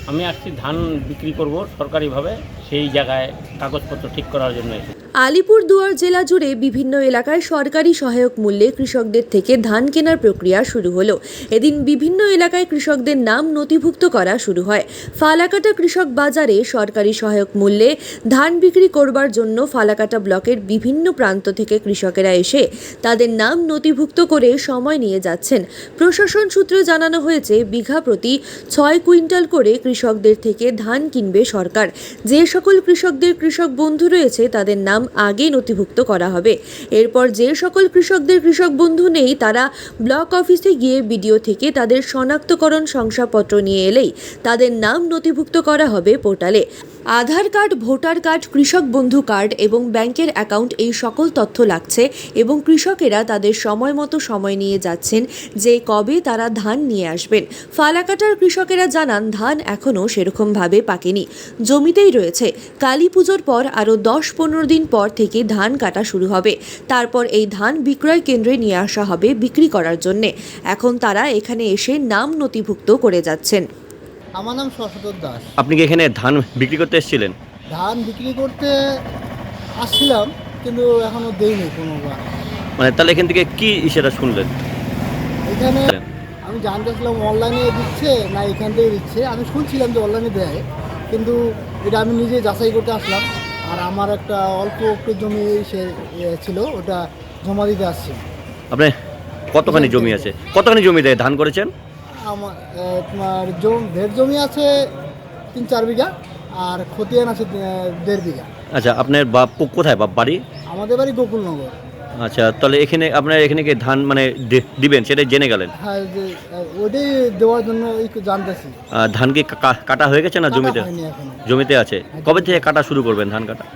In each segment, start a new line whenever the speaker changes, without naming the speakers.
আমি আসছি ধান বিক্রি করব সরকারিভাবে, সেই জায়গায় কাগজপত্র ঠিক করার জন্য এসেছি।
আলিপুরদুয়ার জেলা জুড়ে বিভিন্ন এলাকায় সরকারি সহায়ক মূল্যে কৃষকদের থেকে ধান কেনার প্রক্রিয়া শুরু হলো। এদিন বিভিন্ন এলাকায় কৃষকদের নাম নথিভুক্ত করা শুরু হয়। ফালাকাটা কৃষক বাজারে সরকারি সহায়ক মূল্যে ধান বিক্রি করবার জন্য ফালাকাটা ব্লকের বিভিন্ন প্রান্ত থেকে কৃষকেরা এসে তাদের নাম নথিভুক্ত করে সময় নিয়ে যাচ্ছেন। প্রশাসন সূত্রে জানানো হয়েছে, বিঘা প্রতি 6 কুইন্টাল করে কৃষকদের থেকে ধান কিনবে সরকার। যে সকল কৃষকদের কৃষক বন্ধু রয়েছে তাদের নাম আগে নথিভুক্ত করা হবে। এরপর যে সকল কৃষকদের কৃষক বন্ধু নেই তারা ব্লক অফিসে গিয়ে বিডিও থেকে তাদের শনাক্তকরণ শংসাপত্র নিয়ে এলেই তাদের নাম নথিভুক্ত করা হবে পোর্টালে। আধার কার্ড, ভোটার কার্ড, কৃষক বন্ধু কার্ড এবং ব্যাংকের অ্যাকাউন্ট, এই সকল তথ্য লাগছে এবং কৃষকেরা তাদের সময় মতো সময় নিয়ে যাচ্ছেন যে কবে তারা ধান নিয়ে আসবেন। ফালাকাটার কৃষকেরা জানান, ধান এখনও সেরকমভাবে পাকেনি, জমিতেই রয়েছে। কালী পুজোর পর আরও 10-15 দিন পর থেকে ধান কাটা শুরু হবে। তারপর এই ধান বিক্রয় কেন্দ্রে নিয়ে আসা হবে বিক্রি করার জন্যে। এখন তারা এখানে এসে নাম নথিভুক্ত করে যাচ্ছেন।
আমার নাম শশধর দাস।
আপনি কি এখানে ধান বিক্রি করতে এসেছিলেন?
ধান বিক্রি করতে আসছিলাম, কিন্তু এখনো দেইনি কোনোবার।
মানে তাহলে এখান থেকে কি সেটা শুনলেন?
এখানে আমি জানতে চাইছিলাম অনলাইনে দিচ্ছে না এখান থেকে দিচ্ছে। আমি শুনছিলাম যে অনলাইনে দেয়, কিন্তু এটা আমি নিজে যাচাই করতে আসলাম। আর আমার একটা অল্প একটু জমি ছিল, ওটা জমা দিতে আসছি।
আপনি কতখানি জমি আছে? কতখানি জমি দেয় ধান করেছেন?
আমার তোমার ঢের জমি আছে 3-4 বিঘা, আর খতিয়ান আছে 1.5 বিঘা।
আচ্ছা, আপনার বাপ কোথায়, বাপ বাড়ি?
আমাদের বাড়ি গোকুলনগর।
আচ্ছা, তাহলে এখানে আপনার এখানে কি ধান মানে দিবেন সেটা জেনে গেলেন?
হ্যাঁ, ওটাই দেওয়ার জন্য একটু জানতেছি।
ধান কি কাটা হয়ে গেছে না জমিতে?
হয়নি এখনো।
জমিতে আছে। কবে থেকে কাটা শুরু করবেন ধান কাটা?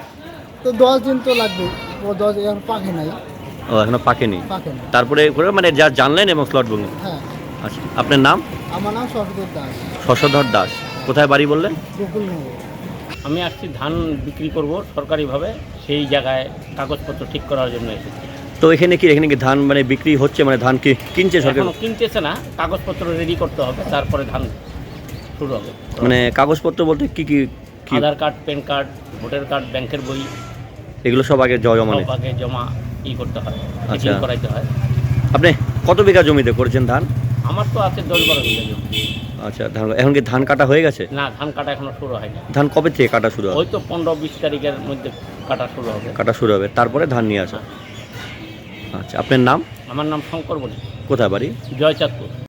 তো 10 দিন তো লাগবে। ও 10 এখন পাকে নাই।
ও এখনো পাকেনি।
পাকে না।
তারপরে মানে যা জানলেন এবং স্লট বুকিং।
হ্যাঁ।
আচ্ছা, আপনার নাম?
আমার নাম শশধর দাস।
শশধর দাস। কোথায় বাড়ি বললেন?
গোকুলনগর।
আমি আসছি ধান বিক্রি করব সরকারিভাবে, সেই জায়গায় কাগজপত্র ঠিক করার জন্য এসেছি।
তো এখানে কি ধান মানে বিক্রি হচ্ছে, মানে ধান কি কিনছে সরকার?
এখনো কিনতেছে না, কাগজপত্র রেডি করতে হবে, তারপরে ধান শুরু হবে।
মানে কাগজপত্র বলতে কি কি?
Aadhaar card, PAN card, voter card, ব্যাংকের বই,
এগুলো সব আগে জমা
সব আগে জমা করতে হয়,
আচ্ছা।
চেকিং করাইতে হয়।
আপনি কত বিঘা জমিতে করেছেন ধান?
আমার তো আছে 10-12 বিঘা জমি।
আচ্ছা, এখন কি ধান কাটা হয়ে গেছে?
না, ধান কাটা এখনো শুরু হয়নি।
ধান কবে থেকে কাটা শুরু হবে?
ওই তো 15-20 তারিখের মধ্যে কাটা শুরু হবে।
কাটা শুরু হবে, তারপরে ধান নিয়ে আসা। আচ্ছা, আপনার নাম?
আমার নাম শঙ্কর বণিক।
কোথায় বাড়ি?
জয়চাঁদপুর।